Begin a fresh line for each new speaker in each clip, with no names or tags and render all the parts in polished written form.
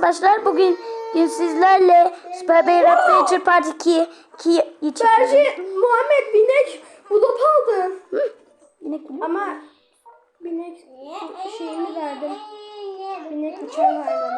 arkadaşlar, bugün sizlerle Super Bear Adventure Part 2
Berce, Muhammed binek bulup aldı.
Binek mi?
Ama binek şeyini verdim. Binek uçan hayvanı.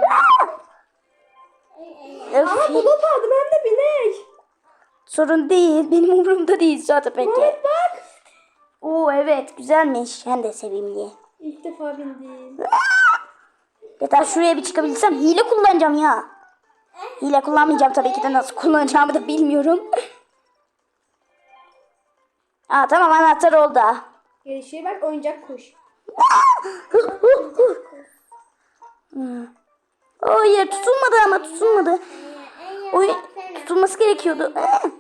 Ama bulup aldım hem de binek.
Sorun değil, benim umurumda değil zaten peki.
Muhammed bak.
Oo evet, güzelmiş, hem de sevimli.
İlk defa bindim.
Yeter, şuraya bir çıkabilsem hile kullanacağım ya. Hile kullanmayacağım tabii ki de, nasıl kullanacağımı da bilmiyorum. Aa tamam, anahtar oldu.
Gelişe bak, oyuncak kuş.
Hayır, tutulmadı ama tutulmadı. Oy, tutulması gerekiyordu.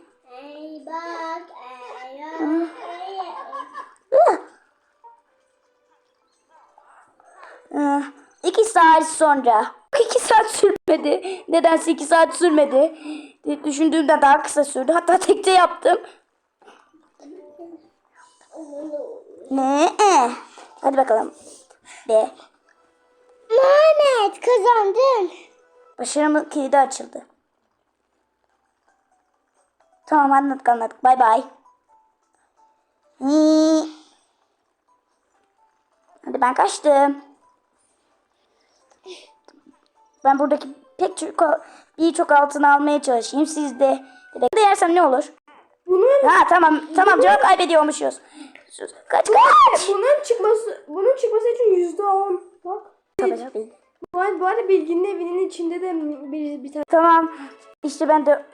İki saat sonra. 2 saat sürmedi. Nedense 2 saat sürmedi. Düşündüğümden daha kısa sürdü. Hatta tekte yaptım. Ne? Hadi bakalım. Be.
Mehmet kazandın.
Başarımın kilidi açıldı. Tamam, anladık. Bay bay. Hadi ben kaçtım. Ben buradaki birçok altın almaya çalışayım. Siz de yersem ne olur? Ha tamam cevap kaybediyormuşuz. Kaç.
Bunun çıkması için %10. Bak.
Tabii.
Bu arada Bilgin'in evinin içinde de bir tane.
Tamam. İşte ben de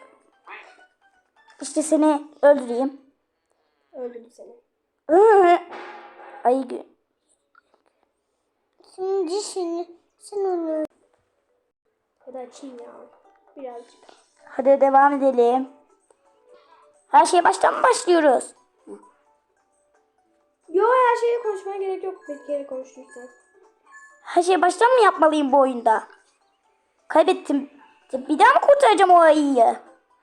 seni öldüreyim.
Öldürdü seni.
Ay
Şimdi sen onu.
Ya da açayım ya. Birazcık.
hadi devam edelim. Her şeye baştan mı başlıyoruz?
Yo, her şeyi konuşmaya gerek yok. Bir kere konuşursan.
Her şeyi baştan mı yapmalıyım bu oyunda? Kaybettim. Bir daha mı kurtaracağım o ayıyı?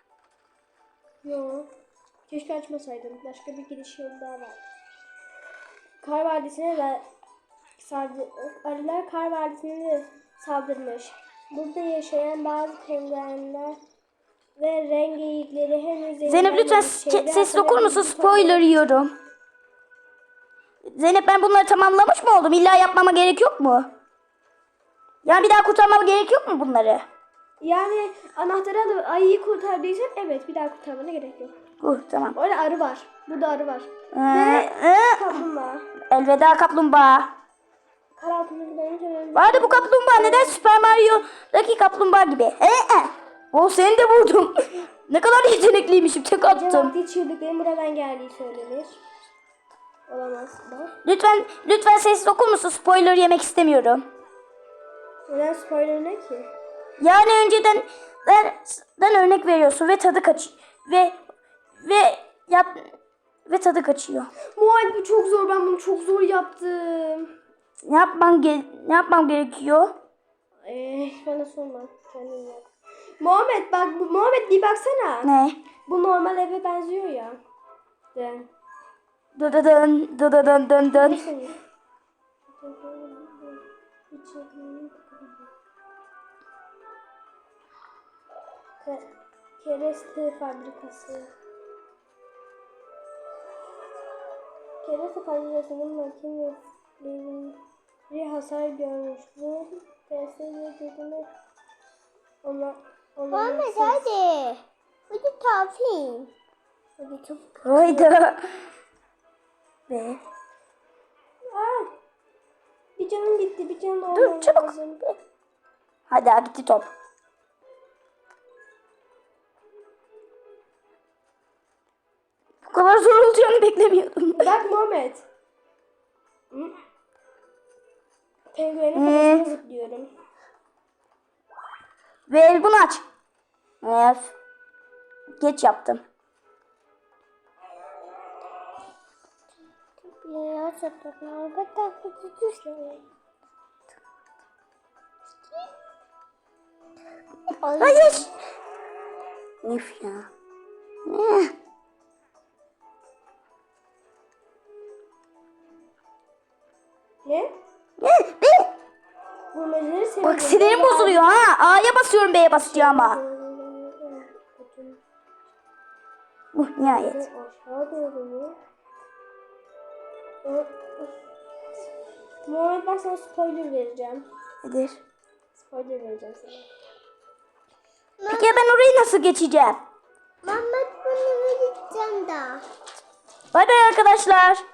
Yo. Keşke açmasaydım. Başka bir gidiş yolu daha var. Kar Vadisi'ne de arılar Kar Vadisi'ne de saldırmış. Burada yaşayan bazı penguenler ve renk geyikleri henüz...
Zeynep lütfen sessiz okur musun? Spoiler yiyorum. Zeynep, ben bunları tamamlamış mı oldum? İlla yapmama gerek yok mu? Yani bir daha kurtarmama gerek yok mu bunları?
Yani anahtarı alıp ayıyı kurtardıysan evet, bir daha kurtarmana gerek yok.
Tamam.
Orada arı var. Burada arı var. Kaplumbağa.
Elveda kaplumbağa.
Kar altında gidince...
Vardı bu kaplumbağa, neden Super Mario'daki kaplumbağa gibi? O seni de vurdum. Ne kadar yetenekliymişim, tek attım.
Cevaplı çığlıkların buradan geldiği söylenir. Olamaz mı?
Lütfen sessiz okur musun? Spoiler yemek istemiyorum.
Neden spoiler ne ki?
Yani önceden örnek veriyorsun ve tadı tadı kaçıyor.
Muay, bu çok zor. Ben bunu çok zor yaptım.
Ne yapmam gerekiyor?
Bana sorma. Kendin yap. Muhammed bir baksana.
Ne?
Bu normal eve benziyor ya. De.
Dıdıdın dıdıdın dın dın.
Kereste fabrikası. Kereste fabrikasının makineleri hasar görmüş. Bu kereste dediğini
Mehmet hadi. Hadi tafin.
Hadi çok.
Hayda. Ve
Bir canım gitti, bir canım olmam
dur çabuk.
lazım.
Hadi gitti top. Bu kadar zor olacağını beklemiyordum.
Bak Muhammed. Penguenin kafasına zıplıyorum.
Ve bunu aç. Geç yaptım. Hayır. Üf ya.
Ne?
Ne?
Bulmacaları seviyorum.
Bak sinirim bozuluyor ha. A'ya A'ya basıyorum B'ye basacağıma. Nihayet.
Aşağı doğru mu? Muhammed, ben sana spoiler vereceğim.
Nedir?
Spoiler vereceğim sana.
Peki ya ben orayı nasıl geçeceğim?
Mehmet bunu vereceğim daha.
Bay bay arkadaşlar.